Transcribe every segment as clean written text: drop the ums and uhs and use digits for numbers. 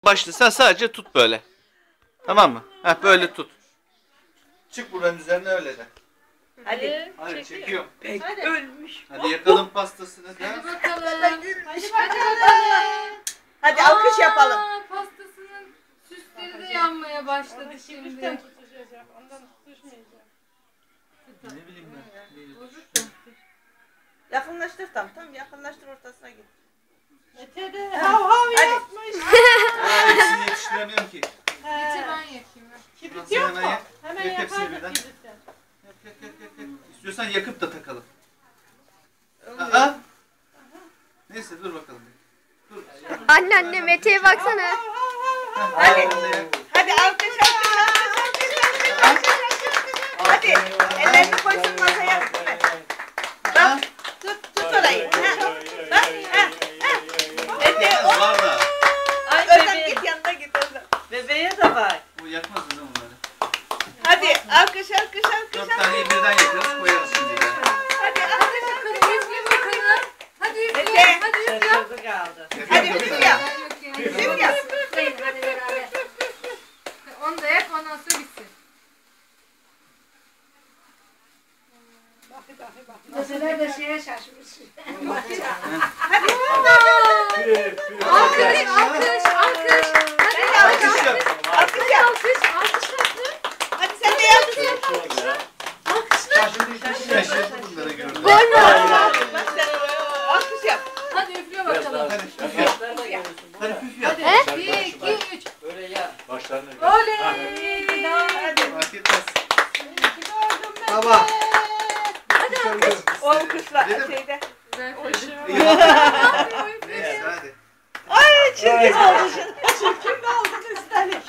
Başla, sen sadece tut böyle. Tamam mı? Heh, böyle tut. Çık buranın üzerine öyle de. Hadi. Hadi çekiyorum. Hadi. Ölmüş. Hadi yakalım pastasını da. Hadi bakalım. Hadi bakalım. Hadi alkış yapalım. Pastasının süsleri de yanmaya başladı şimdi. Ondan düşmeyeceğim. Ne bileyim ben. Yakınlaştır tam yakınlaştır ortasına git. Mete de hav hav yapmış. Hepsini yetiştiremiyorum ki. Geçe ben yakayım. Kibrit yok mu? Hemen Yak hepsini yakardık birden. kibritten. Yak. İstiyorsan yakıp da takalım. Aa. Neyse dur bakalım. Dur. Anne Mete'ye baksana. Hadi. Hadi alkış. Hadi. Ellerini koysun masaya. Bak. Tut orayı. Bak. Mete o. Var da. Özlem git yanına git Özlem. Bebeğe de bak. Bu yakmaz değil mi bunları? Hadi alkış. 4 taneyi birden yakarız koyarız şimdi de. Hadi alkış. Üfle bakalım. Hadi üfle. Mete. Hadi üfle. Şaşırdı kaldı. Hadi üfle yap. Üfle yap. Üfleyin hadi beraber. Onu da yak ondan sonra bitsin. Mesela de şeye şaşmış. Hadi. Alkış. Hadi Alkış yap. Alkış yap. Alkış. Hadi sen de yap. Şaşırdım bunları gördüm. Gol mü? Bak sen alkış yap. Hadi üfle bakalım. Hadi püf yap. Hadi püf yap. Hadi 1, 2, 3. Böyle ya. Başlarına gör. Oley. Hadi. Fark etmez. Baba. O kuşla Dedim. şeyde. Neyse hadi. Ay çirkin oldu. Çirkin oldu üstelik.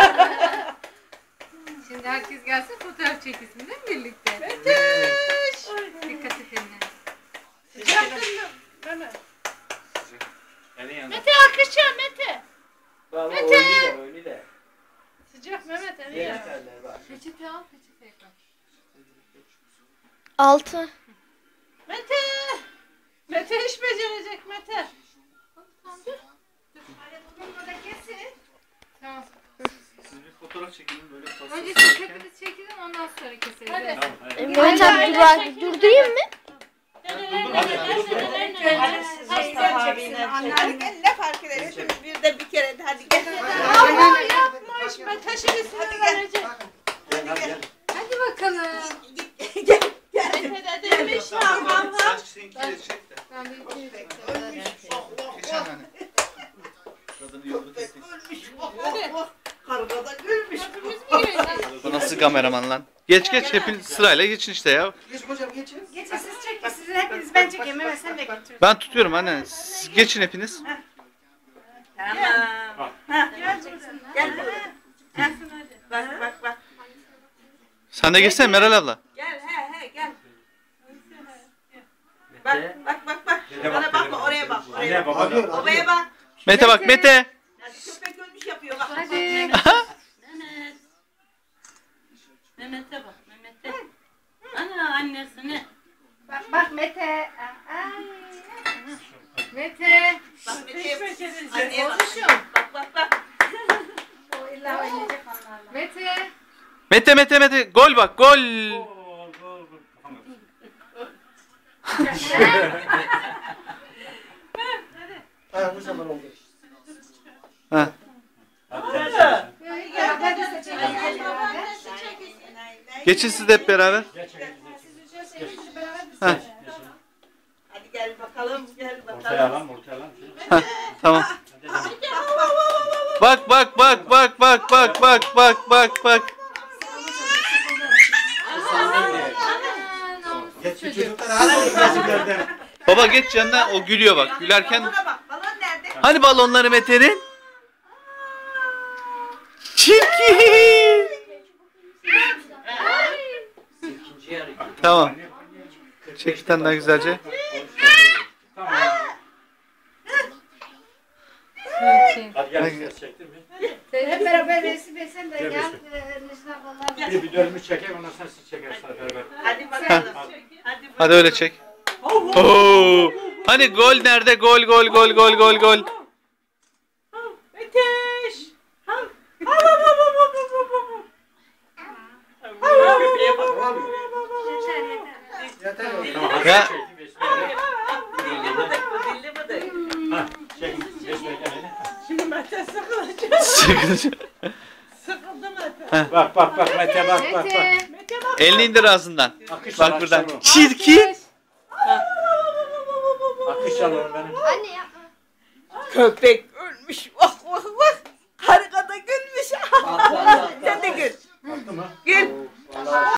Şimdi herkes gelsin fotoğraf çekilsin değil mi birlikte? Dikkat et eline. Elin yanına. Mete alkışçı Mete. Baba Mete! oyunu da. Sıcak Mehmet eli Diğer ya. teller var. Peçete al peçete yakal. 6. Mete. Mete iş becerecek Mete. Tamam. Siz bir fotoğraf çekin böyle pasta Önce sararken. siz hepiniz çekilin ondan sonra keseriz. Hadi. Tamam hadi. Mehmet abi durdurayım mı? Hadi gel ne fark eder? Hepimiz bir de bir kere de hadi gel. Allah yapmış. Mete şimdi sinirlenecek. Gel hadi gel. Hadi bakalım. Mete de demiş hav hav hav. Saç seninkileri çek de. Ben bir iki üç. Geçen hani. Kadını yolda teknik. Kargada gülmüş. Bu nasıl kameraman lan? Geç hepiniz sırayla geçin işte ya. Geçin siz çekin. Sizin hepiniz ben çekeyim. Mehmet sen de götür. Ben tutuyorum anne. Siz geçin hepiniz. Tamam. Gel. Bak. Sen de geçsene Meral abla. Gel gel. Bak. Bana bakma oraya bak. Anne baba da. Oraya bak. Mete bak Mete. Hadi köpek ölmüş yapıyor bak. Hadi. Mehmet'e bak. Mehmet'e. Ana annesine. Bak Mete. Mete. Bak Mete'ye becerecek. anneye bak. Bak. O illa oynayacak onlarla. Mete. Mete. Gol bak gol. Gol, gol. Ha. Hadi gel. Geçin siz de hep beraber. Geç. Ha. Hadi gel bakalım. Ortaya lan, ortaya lan. Ha. Tamam. Bak. Geç çocuklar hadi. Baba geç yanına, o gülüyor bak. Gülerken Balona bak. Balon nerede? hani balonları Mete'nin? Çirkin. İkinci yarı. Tamam. Çek bir tane daha güzelce. Tamam. Hadi gel. Ses çektin mi? Hep beraber resim etsen de Gel gel. resim. Necla ablalar. Bir dönümü çekeyim ondan sonra siz çekersiniz beraber. Hadi bakalım. Hadi öyle çek. Oo. Hani gol nerede? Gol. Mete Tamam hadi Ya. çektim. Besmele. Dilli bıdık bu, dilli bıdık. Ha, çektim. Besmele elini. Şimdi Mete sıkılacak. Sıkıntı. Sıkıldı Mete. Bak bak bak Mete bak bak bak. Mete. Mete bak. Elini indir ağzından. Akış Bak al, buradan. akış al onu. Çirkin. Akış al onu benim. Anne yapma. Köpek ölmüş. Vah vah vah. Harika da gülmüş. Sen de gül. Baktı mı? Gül. Vallahi